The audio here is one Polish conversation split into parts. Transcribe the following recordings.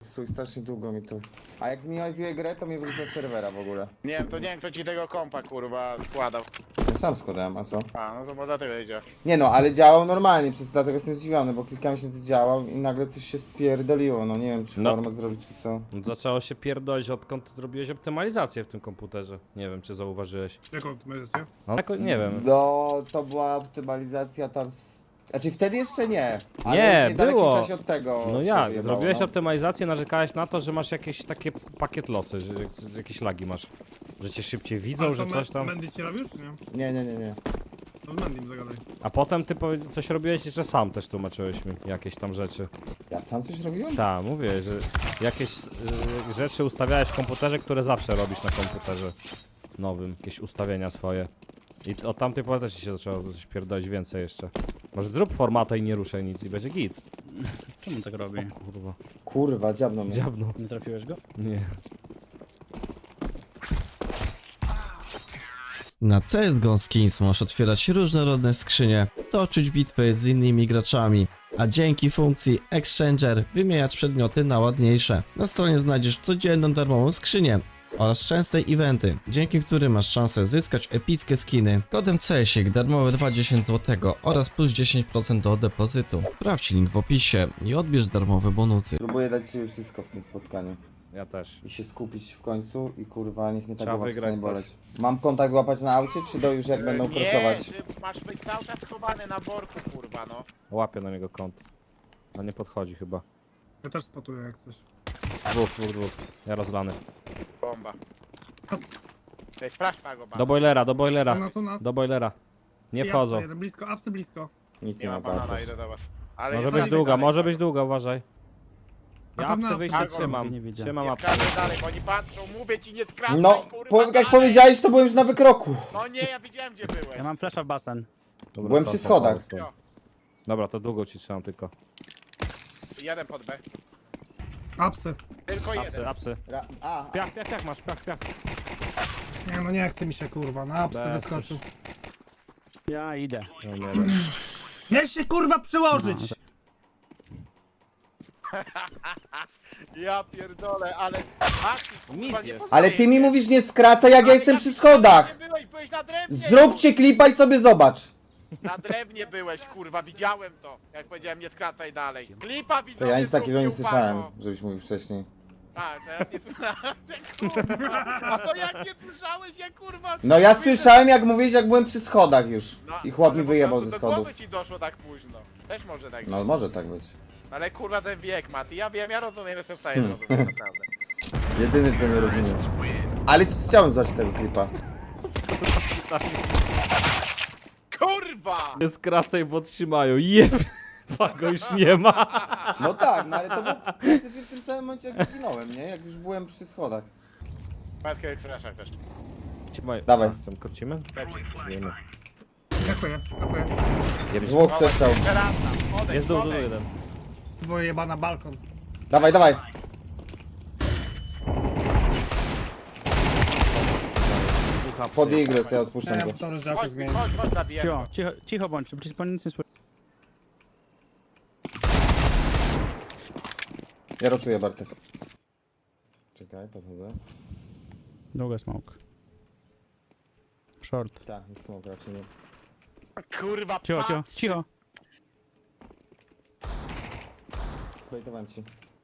psuj, strasznie długo mi to. A jak zminimalizuję grę, to mnie wyrzuca z serwera w ogóle. Nie wiem, to nie wiem kto ci tego kompa kurwa składał. Ja sam składałem, a co? A, no to może dlatego idzie. Nie no, ale działał normalnie, dlatego jestem zdziwiony, bo kilka miesięcy działał i nagle coś się spierdoliło, no nie wiem czy No. formę zrobić czy co. Zaczęło się pierdolić odkąd zrobiłeś optymalizację w tym komputerze. Nie wiem czy zauważyłeś. Jaką optymalizację? No jako, nie wiem. No, to była optymalizacja tam z... Znaczy wtedy jeszcze nie, ale Nie, w niedalekim było. czasie od tego No się jak? wyjebało, Zrobiłeś no. optymalizację, narzekałeś na to, że masz jakieś takie pakiet losy, że jakieś lagi masz. Że cię szybciej widzą, Ale że to coś tam. Mendy ci robił, czy nie? Nie. To z Mendym zagadaj. A potem ty coś robiłeś, że sam też tłumaczyłeś mi jakieś tam rzeczy. Ja sam coś robiłem? Tak, mówię, że jakieś rzeczy ustawiałeś w komputerze, które zawsze robisz na komputerze nowym. Jakieś ustawienia swoje. I od tamtej pory też ci się zaczęło coś pierdolić więcej jeszcze. Może zrób formatę i nie ruszaj nic i będzie git. Czemu tak robi? Kurwa. Kurwa, dziabno mnie. Dziabno. Nie trafiłeś go? Nie. Na CSGO Skins możesz otwierać różnorodne skrzynie, toczyć bitwy z innymi graczami, a dzięki funkcji Exchanger wymieniać przedmioty na ładniejsze. Na stronie znajdziesz codzienną darmową skrzynię oraz częste eventy, dzięki którym masz szansę zyskać epickie skiny. Kodem CSIK darmowe 20 zł oraz plus 10% do depozytu. Sprawdź link w opisie i odbierz darmowe bonusy. Próbuję dać sobie wszystko w tym spotkaniu. Ja też. I się skupić w końcu i kurwa, niech mnie ta Trzeba głowa wygrać przestanie boleć. coś. Mam kontakt łapać na aucie, czy do już jak będą nie, krosować? ty masz być cały czas schowany na worku kurwa no. Łapię na niego kąt. A nie podchodzi chyba. Ja też spotuję jak coś. Dwóch. Ja rozlany. Bomba. Ej, sprawdź pago Do boilera, do U boilera. nas, u nas. Do boilera. Nie I wchodzą. apsy jeden, blisko, apsy blisko. Nic Nie nie ma ma banana, patrz. idę do was. Ale Może nie być skradaj długa, dalej, może Pago. być długa, uważaj. Ja Na pewno apsy wyjście Pago trzymam. nie widziałem. Trzymam Nie apsy. skradaj dalej, bo oni patrzą, mówię ci nie skradaj No, kurwa jak dalej. powiedziałeś, to byłem już na wykroku. No nie, ja widziałem gdzie byłeś. Ja mam flasha w basen. Dobra, Byłem stop, przy stop, schodach. stop, stop. Jo, Dobra, to długo ci trzymam tylko. jeden pod B. Apsy. Tylko Apsy, jeden. apsy. Piach masz, piach. Nie no nie chce mi się kurwa, na apsy Bez wyskoczył. Ja idę. No, nie wiem. Miałeś się kurwa przyłożyć! Ja pierdolę, ale... kurwa, nie Ale ty mi mówisz nie skracaj, jak ja jestem przy schodach. Byłeś na drewnie! Zróbcie klipa i sobie zobacz. Na drewnie byłeś, kurwa, widziałem to. Jak powiedziałem, nie skracaj dalej. Klipa To widziałem. ja nic takiego nie słyszałem, żebyś mówił wcześniej. Tak, teraz nie słyszałem, kurwa. A to jak nie słyszałeś, ja kurwa... No ja Mówię, słyszałem jak mówiłeś, jak byłem przy schodach już. no, I chłop mi może po wyjebał prostu ze do schodów. głowy ci doszło tak późno. Też może tak być. No może tak być. Ale kurwa ten wiek, Mati, ja wiem, ja rozumiem, jestem w stanie zrozumieć, naprawdę. Jedyny co nie rozumiem. Ale chciałem zobaczyć tego klipa. Kurwa! Nie skracaj, bo trzymają. Jeb! Go już nie ma. No tak, no ale to było praktycznie w tym samym momencie jak zginąłem, nie? Jak już byłem przy schodach. Matkę flasha też. Trzymaj. Dawaj. Chcę, krócimy? Wiemy. Dziękuję. Dwóch przestrzał. Jeszcze raz tam, odejdź, Jest dół, odejdź. jeden. Dwoje jebana balkon. Dawaj. Dwóch apsy. Pod igles, ja odpuszczam Ja go. mam sorry, że jakoś Chodź, zmienię. chodź, zabijemy go. Cicho bądź, przecież pan nic nie słyszy. Ja rotuję Bartek. Czekaj, podchodzę. Długa smoke. Short. Tak, jest smok raczej nie. Kurwa, Cicho. Splejtowałem ci.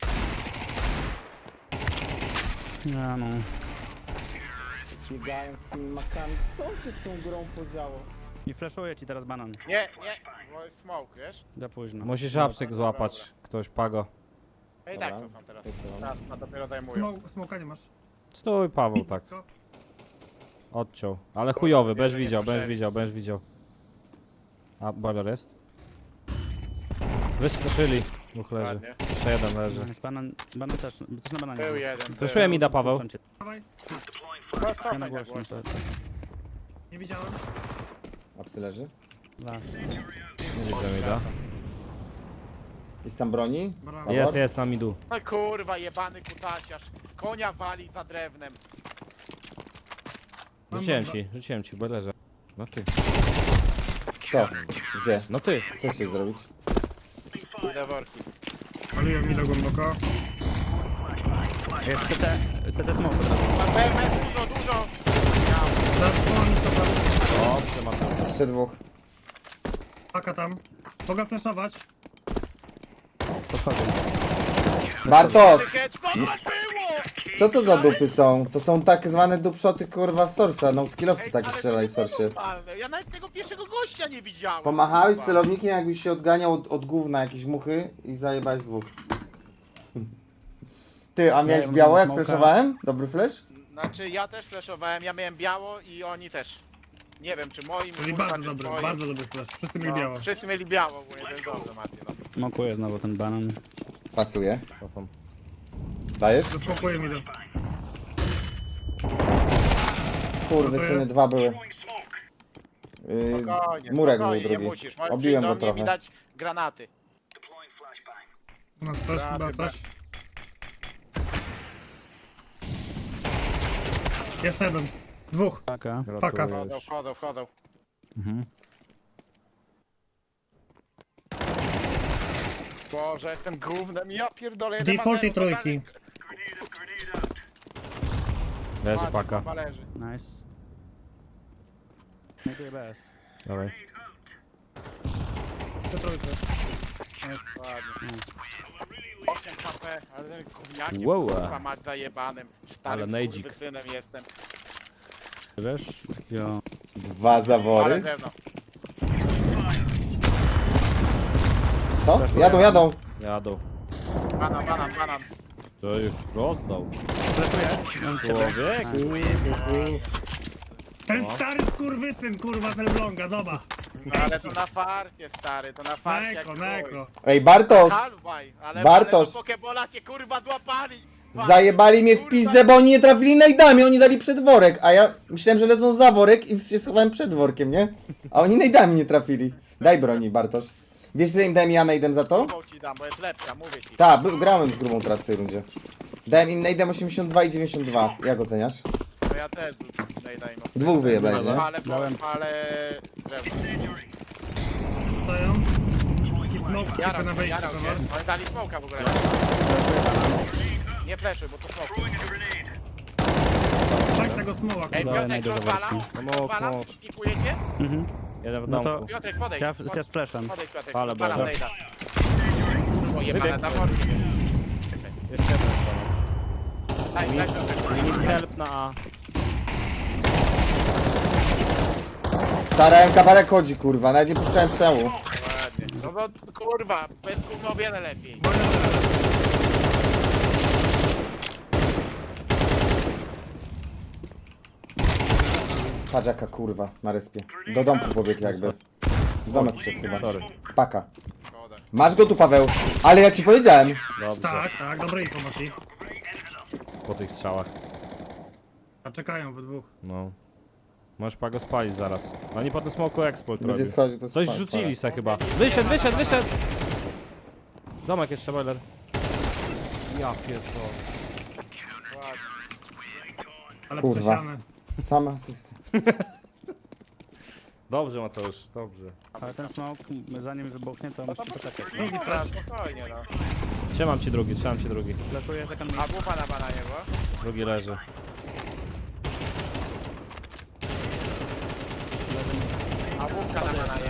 Ja no. Biegają z tymi makami. Co się z tą grą podziało? Nie flashuję ci teraz banan. Nie, bo jest smoke, wiesz? Za późno. Musisz apsyk złapać. Ktoś, Pago. No i tak to są teraz. Teraz ma dopiero zajmują. Smoka nie masz. Stój, Paweł, tak. Blisko. Odciął. Ale chujowy, będziesz widział. A, boiler jest? Wyskoczyli. Dwóch leży. Ładnie. Jeszcze jeden leży. Nice, banan też na bananie. Był jeden. Wyszuję mi da, Paweł. Puszczam cię. Dawaj. Chodź, Ja na cofaj głośno. głośno. Nie widziałem. A psy leży? Las. Nie widzę mi da. Jest tam broni? Brawo. Jest na midu. No kurwa, jebany kutasiarz. Konia wali za drewnem. Rzuciłem ci, boilerze. No ty. Kto? Gdzie? No ty. Co się zrobić? Idę worki. Paliłem mi do głęboko. Jest CT smoke. Mam BMS dużo. Zasłoni to pan. Dobrze, Mateusz. Jeszcze dwóch. Paka tam. Mogę flashować. Podchodzę. Bartosz! Co to było? Co to za dupy są? To są tak zwane dupszoty kurwa z Sorsa, no skillowcy takie Ale to strzelali nie w Sorsie. normalne. Ja nawet tego pierwszego gościa nie widziałem. Pomachałeś kurwa. celownikiem, jakbyś się odganiał od gówna jakieś muchy i zajebałeś dwóch. Ty, a miałeś Ja biało mam jak smoka. flashowałem? Dobry flash? Znaczy ja też flashowałem, ja miałem biało i oni też. Nie wiem czy moim, Czyli kurwa, bardzo czy dobry, twoim. bardzo dobry flash. Wszyscy mieli biało. Wszyscy mieli biało, bo jeden dobrze Mati. No. Smokuję znowu ten banan. Pasuje. Cofam. Dajesz? Zasmokuję mi to. Skurwysyny, dwa były. Spokojnie, Murek był spokojnie, nie drugi. musisz. Możesz Obiłem przyjść go do mnie i trochę. dać granaty. U nas też chyba coś. Jeszcze jeden. Dwóch. Paka. Paka. Wchodzą. Mhm. Boże, jestem gównem, ja pierdolę. jeden Default i ma zero, trójki. Leży totalnie- paka. Paka leży. Nice. Znajduję BS. Dawaj. Te trójki. Ładnie. 8 HP, ale ten gówniakiem, Wow. kurwa mać zajebanym. Ale Starym nejdzik. synem jestem. Wiesz? Jo. Dwa Ale zawory. drewno. Co? Jadą. Jadą. Banan. To ich rozdał. Flashuję. Człowiek. Ten stary skurwysyn, kurwa, z Elbląga, zobacz. No ale to na farcie, stary, to na farcie jak chuj. Neko. Ej, Bartosz! Halwaj, ale Bartosz! do Pokebola cię kurwa złapali! Zajebali mnie w pizdę, bo oni nie trafili najdami, oni dali przed worek, a ja myślałem, że lecą za worek i się schowałem przed workiem, nie? A oni najdami nie trafili. Daj broni, Bartosz. Wiesz, że im dałem ja najdem za to? Grubą ci dam, bo jest lepsza, mówię ci. Tak, grałem z grubą teraz w tej rundzie. Dałem im najdem 82 i 92. Jak oceniasz? No ja też daj no. Dwóch wyjebałeś, nie? Ale drewno. Stoją. Taki smoke tylko Jarał na cię, wejściu. jarał cię. dobra. Oni dali smoka w ogóle. Nie fleszy, bo to smok. Tak tego smoła, Ej, kurwa. Dobra, Piotrek najdę rozwalał? No, Rozwalał? no. Pikujecie? Mhm. Jeden w No to- domku. Piotrek, podejdź. Ja z flashem. Podejdź, Piotrek. Ale Rozwalam dobra. nejda. O, jebane Wybieg. zawory. Jeszcze jeden w domku. Daj, Piotrek. Need help na A. Starałem kabarek chodzi, kurwa, nawet nie puszczałem strzału. Ładnie. No bo kurwa, bez gówno o wiele lepiej. Patrz jaka kurwa na respie. Do domku pobiegł jakby. W domek wszedł chyba. Sorry. Spaka. Szkoda. Masz go tu, Paweł. Ale ja ci powiedziałem. Dobrze. Tak, dobre informacji. Po tych strzałach. A czekają we dwóch. No. Możesz pago spalić zaraz. Oni po tym smoku exploit Będzie robił. schodził, to Coś spa- rzucili se chyba. Wyszedł! Domek jeszcze, boiler. Ja pierdolę. Ale Kurwa. przesiane. Sam asysty. Dobrze, Mateusz, dobrze. Ale ten smoke, zanim wybuchnie, to No to musi poczekać. Drugi flash. Spokojnie no. Trzymam ci drugi. Flashuję second A bufa na bananie była? Drugi leży. A bufka na bananie.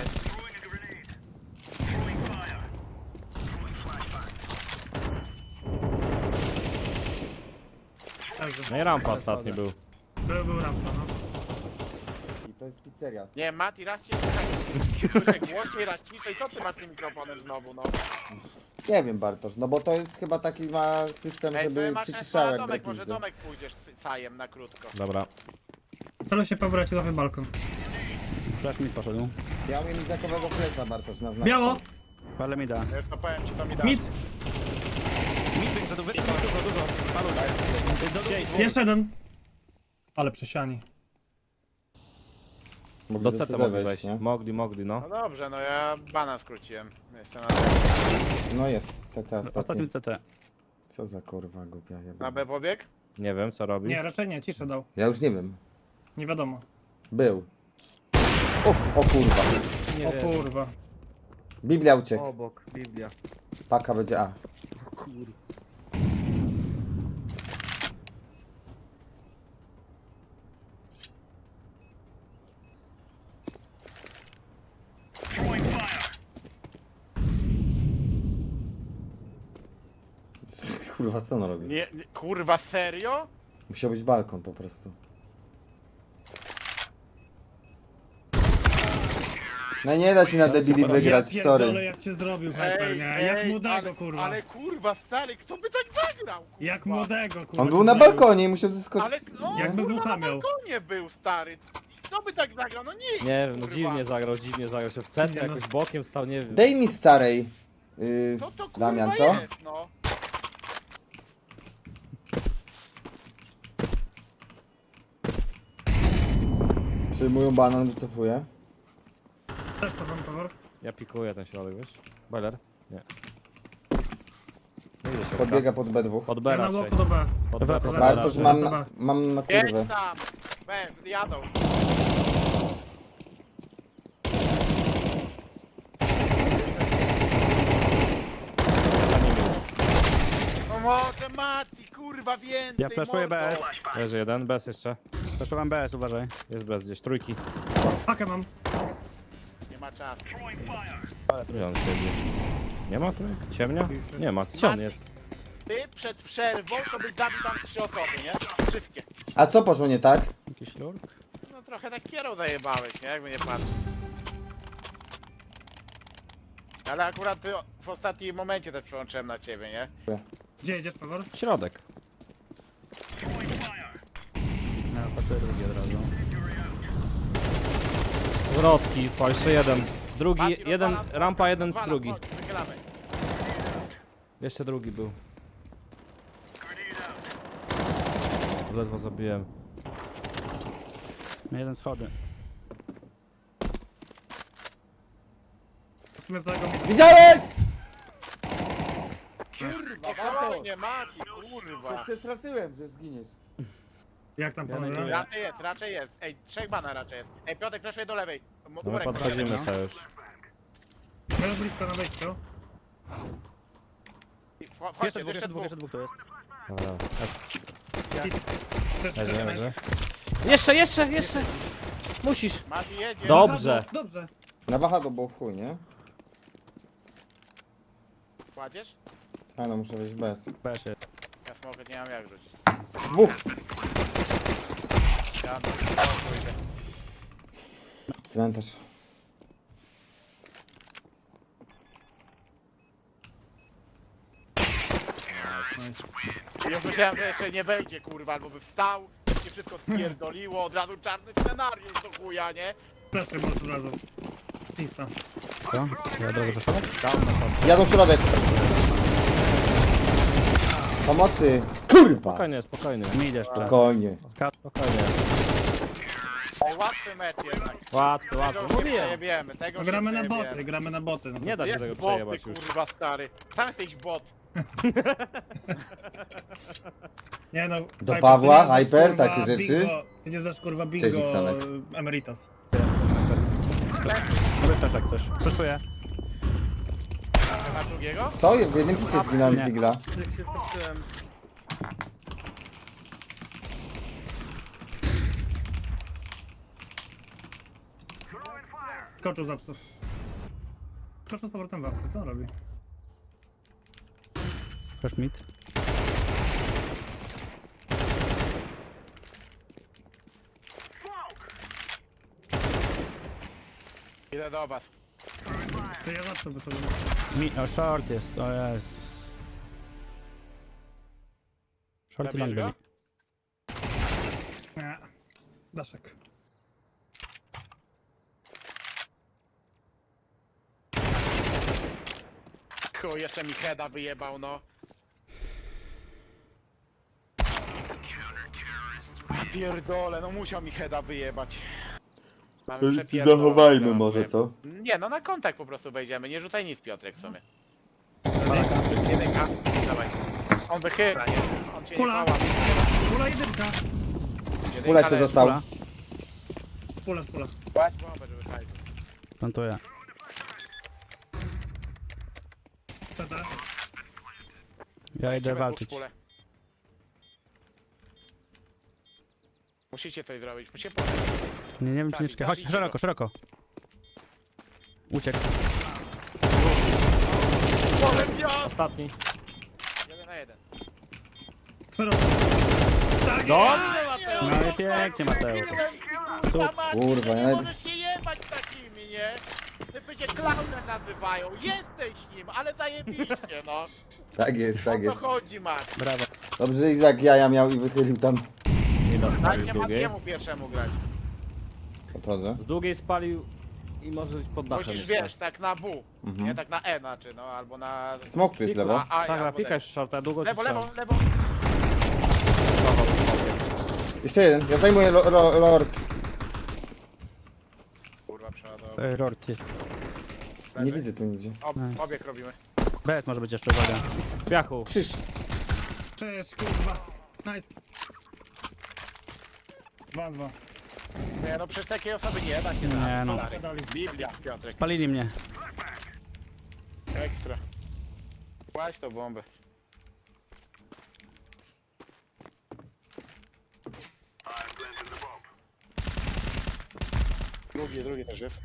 Leży. No i rampa ostatni był. Był rampa, no. I to jest pizzeria. Nie, Mati, raz cię słyszę głośniej, raz ciszej. Co ty masz z tym mikrofonem znowu, no? Nie wiem, Bartosz, no bo to jest chyba taki ma system, Ej, żeby masz przyciszał na jak domek, może drepizdy. domek pójdziesz z sajem na krótko. Dobra. Celu się Paweł, ja ci damy balkon. Flash mi poszedł. Ja umiem izakowego flesza, Bartosz, na znak. Biało! Ale mi da. Ja już to powiem ci, to mi da. Mid! Dużo. Jeszcze jeden! Ale przesiani. Mogli Do do CT CD mogli wejść, wejść. nie? Mogli, no. No dobrze, no ja bana skróciłem. Jestem No jest, CT Ostatni ostatni. CT. Co za kurwa głupia na jeba. B pobieg. Nie wiem, co robi. Nie, raczej nie, ciszę dał. Ja już nie wiem. Nie wiadomo. Był. O kurwa. O kurwa. Biblia uciekł. Obok, Biblia. Paka będzie A. Kurwa, co on robi? Nie, kurwa, serio? Musiał być balkon po prostu. No nie da się na debili wygrać, Ja sorry. pierdolę, jak cię zrobił Hyper, nie? Jak młodego, kurwa. ale kurwa, stary, kto by tak zagrał? Kurwa? Jak młodego, kurwa. On był cię na zrobił. balkonie i musiał Ale zeskoczyć. no, Jakby kurwa, Wucha na miał. balkonie był, stary. Kto by tak zagrał? No nie. Nie wiem, no kurwa. dziwnie zagrał się w centrum, Nie, no. jakoś bokiem stał, nie wiem. Dej mi starej. Co to kurwa Damian, co? jest, no? Przyjmują banan, wycofuję. Też to wam powór. Ja pikuję ten środek, wiesz? Boiler? Nie. Nie idę się Podbiega pod B2. Pod B Ja na raczej. łoku do B. Pod B, pod B Bartosz, raczej. mam na Jedź kurwę. tam. Jadą. No może Mati, kurwa, więcej. Ja flashuję mordo. BS. Leży jeden, bez jeszcze. Flashowałem BS, uważaj. Jest bez gdzieś, trójki. Pakę mam. Nie ma czasu. Gdzie on siedzi? Nie ma trójki? Ciemnia? Nie ma, gdzie on jest? Ty przed przerwą to byś zabił tam 3 osoby, nie? Wszystkie. A co poszło nie tak? Jakiś lurk? No trochę tak kierą zajebałeś, nie? Jakby nie patrzeć. Ale akurat ty w ostatnim momencie też przełączyłem na ciebie, nie? Gdzie jedziesz, powór? Środek. Ja patrzę drugi od razu. Zwrotki, po jeszcze jeden. Drugi, Mati, jeden, rozwalam, rampa jeden, rozwalam, drugi. chodź, wychylamy. Jeszcze drugi był. Ledwo zabiłem. Jeden schody. W sumie całego mi... Widziałeś? Kurwa, właśnie, Mati, kurwa. Przestraszyłem, że zginiesz. Jak tam Ja panowie? neguję. Raczej jest. Ej, 3 bana raczej jest. Ej, Piotrek, fleszuje do lewej. No my Murek do lewej. podchodzimy no. sobie już. Będę blisko na wejściu. Chodźcie, Jeszcze dwóch, jeszcze dwóch. to jest. Dobra. Też Leży, leży. Jeszcze! Musisz! Mati jedzie. Dobrze. Dobrze. Na wahadło było w chuj, nie? Kładziesz? A no, muszę wejść bez. BS jest. Ja smogę nie mam jak rzucić. Dwóch. Ja na pójdę. Cmentarz. Ja myślałem, że jeszcze nie wejdzie, kurwa, albo by wstał, się wszystko spierdoliło, od razu czarny scenariusz do chuja, nie? Plecy może od razu. Czysta. Co? Ja od razu flashować? Jadą środek. Pomocy. Kurwa. Spokojnie, spokojnie. Mi idę. Spokojnie. Spokojnie. Ej, łatwy mecz jednak. Łatwy, Tego łatwy. już nie Mówiłem. przejebiemy, tego No, już gramy nie na przejebiemy. boty, gramy na boty. No. Nie da się Jak tego boty, przejebać już. kurwa, stary. Sam jesteś bot. Nie no. Do Hyper, Pawła, ty nie znasz, Hyper, kurwa, takie rzeczy? Bingo, ty nie znasz kurwa bingo Cześć, Iksanek. Emeritus. Robię też jak coś. Flashuję. Masz drugiego? Co? W jednym hicie zginąłem z Nie. Digla. Skoczył z apsów. Skoczył z powrotem w apsy, co on robi? Flash mid. Idę do was. To ja z apsów wyszedłem. O, short jest. O Jezus. Short i long Zabierz go? byli. Nie. Daszek. Chuj, jeszcze mi heada wyjebał, no. Ja pierdolę, no musiał mi heada wyjebać. Mamy przepierdolone Zachowajmy teraz, może, nie? co? Nie, no na kontakt po prostu wejdziemy, nie rzucaj nic Piotrek w sumie. Jedynka, dawaj. On wychyla, nie? On cię nie Kula. pała. Pula jedynka. Pula jeszcze został. Pula. Pula, pula. Kładź bombę, żeby fajnie. Plantuję. CT. Ja idę walczyć. Musicie coś zrobić, musicie pomóc. Nie wiem czy nie czekaj. Chodź, Zabijcie szeroko, go. szeroko. Uciekł. Polem ja! Ostatni. 1 na 1. Szeroko. Tak Dobrze, No i pięknie, Mateusz. Kurwa, Maciej, Kurwa, nie ja- możesz się jebać takimi, nie? Ty będzie klaunem nazywają, jesteś nim, ale zajebiście, no. Tak jest, tak O to jest. chodzi, Maciej. Brawo. Dobrze, że Izak jaja miał i wychylił tam. Nie da spalił Dajcie z długiej. Matiemu pierwszemu grać. Podchodzę. Z długiej spalił i może być pod dachem Musisz, jeszcze. wiesz, tak na W, nie tak na E znaczy, no, albo na... Smok tu jest lewo. Na A, Tak, albo pikaj shorta, długo Lewo, ci lewo, lewo. Jeszcze jeden, ja zajmuję lord. Kurwa, przeładował. Rort jest. Nie widzę tu nigdzie. Obieg robimy. BS może być jeszcze, uwaga. Piachu. Krzyż. Cześć, kurwa. Nice. 2-2. Nie, no przez takiej osoby nie da się Nie, zabić, no. stary. Biblia, Piotrek. Palili mnie. Ekstra. Kładź tą bombę. Drugi też jest.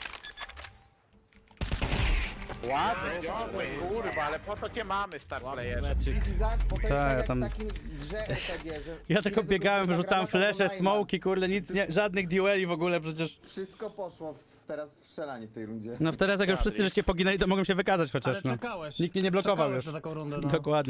Ładny, ciągły, kurwa, ale po to cię mamy, star playerze. Izak, bo to jest Tak, tak jak tam- w takim grze RPG, że... Ja tylko biegałem, wyrzucałem flesze, smoki, kurde, nic, nie, żadnych dueli w ogóle przecież. Wszystko poszło teraz w strzelanie w tej rundzie. No teraz jak już wszyscy żeście poginęli, to mogłem się wykazać chociaż, Ale no. czekałeś. Nikt mnie nie blokował Czekałeś już. na taką rundę, no. Dokładnie.